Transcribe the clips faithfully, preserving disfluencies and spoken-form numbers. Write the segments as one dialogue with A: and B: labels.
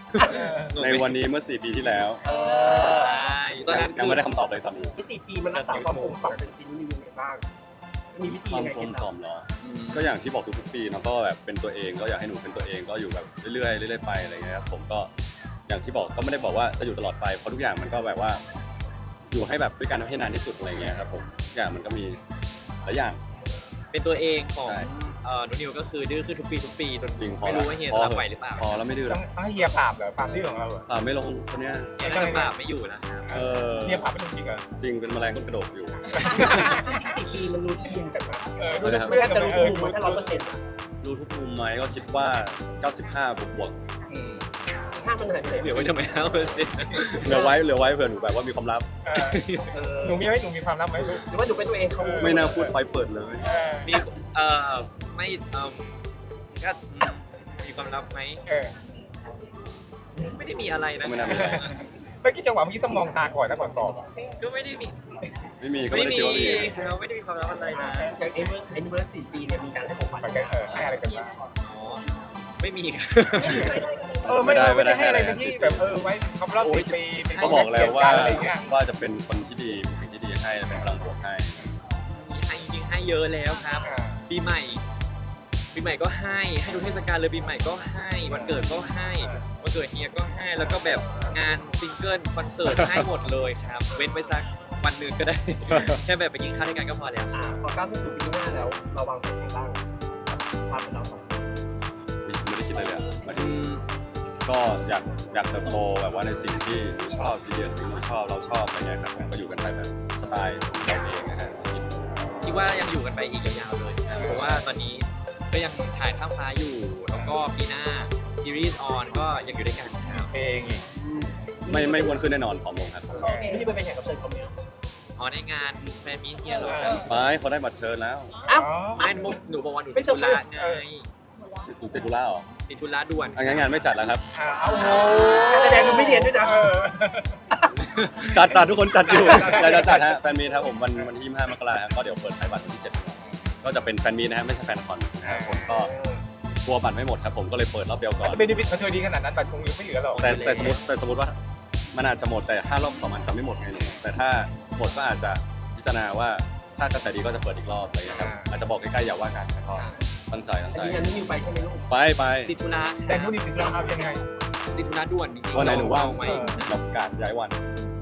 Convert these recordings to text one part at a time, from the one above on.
A: ในวันนี้เมื่อสี่ปีที่แล้ว
B: เออใช่ตอนนั้น
A: ยังไม่ได้คำตอบเลยตอนนี้
C: ที่สี่ปีมันรักษาความคงความเป็นซีรีส์ยังไงบ้างมีวิธี
A: ควา
C: ยั
A: ม
C: งไง
A: กล
C: เก็
A: ม
C: บ
A: กล่อมเหรอก็อย่างที่บอกทุกๆปีเนาะก็แบบเป็นตัวเองก็อยากให้หนูเป็นตัวเองก็อยู่แบบเรื่อยๆเรื่อยๆไปอะไรเงี้ยครับผมก็อย่างที่บอกก็ไม่ได้บอกว่าจะอยู่ตลอดไปเพราะทุกอย่างมันก็แบบว่าอยู่ให้แบบด้วยกันให้นานที่สุดอะไรเงี้ยครับผมทุกอย่างมันก็มีหลายอย่าง
B: เป็นตัวเองของ
A: ใช่
B: เอ่อนุนิวก็คือดื้อขึ้นทุกปีทุกปีจน
A: จริงพอ
B: ไม่รู้ว่าเฮีย
A: พอ
B: จะรับไหวหรือเปล่า
A: พอแล้วไม่ดื้อ
D: ต้
A: แล้
D: อง
A: ว
D: ต้องให้เฮียปราบเหรอปราบที่ของเราเหรอ
A: อ่าไม่ลงคนเนี้ย
B: เฮียน่าจะปราบไม่อยู่แล้วครับ
A: เออ
D: เฮียปราบไม่ลงจริงเหรอ
A: จริงเป็นแมลงก้นกระโดดอยู่
C: จริงๆสี่ปีมันรู้มุมกันมา
D: เออ
A: ไม่ได้ครับ
C: ไม่น่าจะรู้มุมมันแค่ร้อยเปอร์เซ็นต์
A: รู้ทุกมุมไหมก็คิดว่า เก้าสิบห้า บวกบวก
D: อืม
C: ถ้ามันหายไปไหน
B: เหลือไว้ทำไมเอาสิ
A: ๆเหลือไว้เหลือไว้เผื่อหนูแบบว่ามีความลับ
D: เออ
C: เออ
D: หนูมีไหมหนูมีความลับไหมลูก
C: หรือว่าหนูเป็นตัวเองเขา
A: ไม่น่าพูดไปเปิดเลย
D: เออ
B: มีเอ่อไม่เอ่อก็อืมมีความลับไหม
D: เออ
B: ไม่ได้มีอะไรนะ
A: ไม่น่ามีอะไร
D: เมื่อกี้จังหวะเมื่อกี้ต้องมองตาก่อนนะก่อนตอบ
B: ก็ไม่ได้มี
A: ไม่มีก็
B: ไม่
A: ไม่ได้
B: มี
A: คิดว่ามี
B: เราไม่ได้มีความลับอะไรนะ
C: อย่างเอ็นเวอร์เอ็นเวอร์สี่ปีเนี่ยมีการให้ของขวัญ
D: มันก็เออให้อะไรกันบ้าง
B: อ๋อไม่มีครับ
D: เออไม่ได้ไม่ได้ให้อะไรเป็นที่แบบเออไว้ครบรอบสิบปีเป็น
A: ก็บอกแล้วว่า
D: อะไรเงี้ย
A: ว่าจะเป็นคนที่ดีเป็นสิ่งที่ดีให้เป็นพลังบวกให้
B: มีให้จริงๆให้เยอะแล้วครับ
D: อ่า
B: ปีใหม่ ปีใหม่ก็ให้ให้ทุกเทศกาลเลยปีใหม่ก็ให้วันเกิดก็ให้วันเกิดเฮียก็ให้แล้วก็แบบงานซิงเกิลคอนเสิร์ตให้หมดเลยครับ เว้นไปสักวันหนึ่งก็ได้ แค่แบบไปกินข้าวด้วยกันก็พอแล้ว
C: อ่าพอก้าวเข้าสู่ปีหน้าแล้วเราวางแผนยังไงบ้างความเป็นเราสองคน
A: ไม่ได้คิดเลยเลยอะหมายถึงก็อยากอยากเติบโตแบบว่าในสิ่งที่หนูชอบที่เรียนสิ่งที่ชอบเราชอบอะไรเงี้ยครับผมก็อยู่กันไปแบบสไตล์เราเองนะฮะ
B: คิดว่ายังอยู่กันไปอีกยาวๆเลยครับเพราะว่าตอนนี้ก็ยังถ่ายข้ามฟ้าอยู่ แล้วก็ปีหน้าซีรีส์ออนก็ยังอยู่ด้วยกันครับ
D: เพลงอีก
A: ไม่ไม่อ้วนขึ้นแน่นอนผอมลงครับ
C: ไม่ได้ไปแข่งกับเชิญเขาเนี่ย
B: อ๋อในงานแฟนมีตเฮียเหรอครับ
A: ไม่เขาได้บัตรเชิญแล้ว
C: อ้าว
B: ไม่หนูหนูบอกว่าหนู
C: ไม่
B: ติด
C: ส
B: ธุ
C: มบูร
B: ระ
C: ณ์
B: ไง
A: หนูติดธุระเหรอ
B: ติดธุระด่วน
A: อ่ะงั้นงานไม่จัดแล้วครับ
D: อ่าเอาโห
C: การแสดงมันไม่เรียนด้วยนะ
D: เออ
A: จัดจัดทุกคนจัดอยู่
D: จัดจั
A: จั
D: ด
A: ดจัดฮะแฟนมีตครับผมวันวันที่ยี่สิบห้ามกราคมก็เดี๋ยวเปิดขายบัตรวันที่เจ็ดก็จะเป็นแฟนมีตนะฮะไม่ใช่แฟนคอนนะครับผมก็กลัวบัตรไม่หมดครับผมก็เลยเปิดรอบเดียวก่อน
D: เบนฟิตมันเคยดีขนาดนั้นบัตรคงยังไม่เหลือหรอก
A: แต่แต่สมมติแต่สมมติว่ามันอาจจะหมดแต่ถ้ารอบสองมันจะไม่หมดไงหนูแต่ถ้าหมดก็อาจจะพิจารณาว่าถ้ากระแสดีก็จะเปิดอีกรอบอะไรอย่างเงี้ยครับอาจจะบอกใกล้ๆอย่าว่ากันก็ตั้งใจตั้ง
C: แต่
A: ใจ
C: ยืนยันนี่นิวไปใช่ไหมลูก
A: ไปไป
B: ติดธุระ
D: แต่นู่นนี่ติดธุระครับยังไง
B: ติดธุระด่วนจริงๆ
A: วันไหนหนูว่าง
B: ไหม
A: เราประกาศย้ายวัน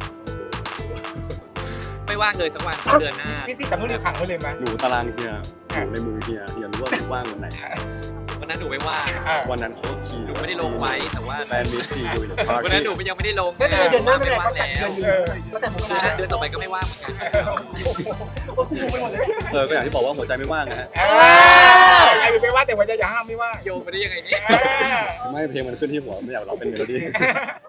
B: ไม่ว่างเลยสักวันเดือนหน้า
D: พี่ซี่แต่นู่นนี่ขังไว้เลยไหม
A: หนูตารางเฮียหนูในมือเฮียเฮียรู้ว่าหนูว่างวันไหน
B: วันนั้นหนูไม่ว่าง
D: อ่า
A: วันนั้นเขาขี่
B: หนูไม่ได้ลงไว้แต่ว่า
A: แฟนมิตรซีอยู่หรือพาร์
B: วัน
A: ตี้
B: นั้นหนูยังไม่ได้ลง
C: ไม่เป็นไรเดือนหน้าไม่เป็นไร
B: ว่าง
C: เขาจัด
B: แล้
C: เดือ
B: วน
C: อยู่เขาจัดมก
B: เดือนห
C: รา
B: น้าเดือนต่อไปก็ไม่ว่างเหมือนกัน
C: โอ้โหไม่หมดเลย
A: เออก็อย่างที่บอกว่าหัวใจไม่ว่างนะฮะ
D: เออไอ้ไม่ว่าแต่ว่าจะอย่าห้ามไม่ว่า
B: โยงไปได้ยังไงเนี่ย
D: เออ
A: ไม่เพลงมันขึ้นที่หัวไม่อยากร้องเป็นเมโลดี้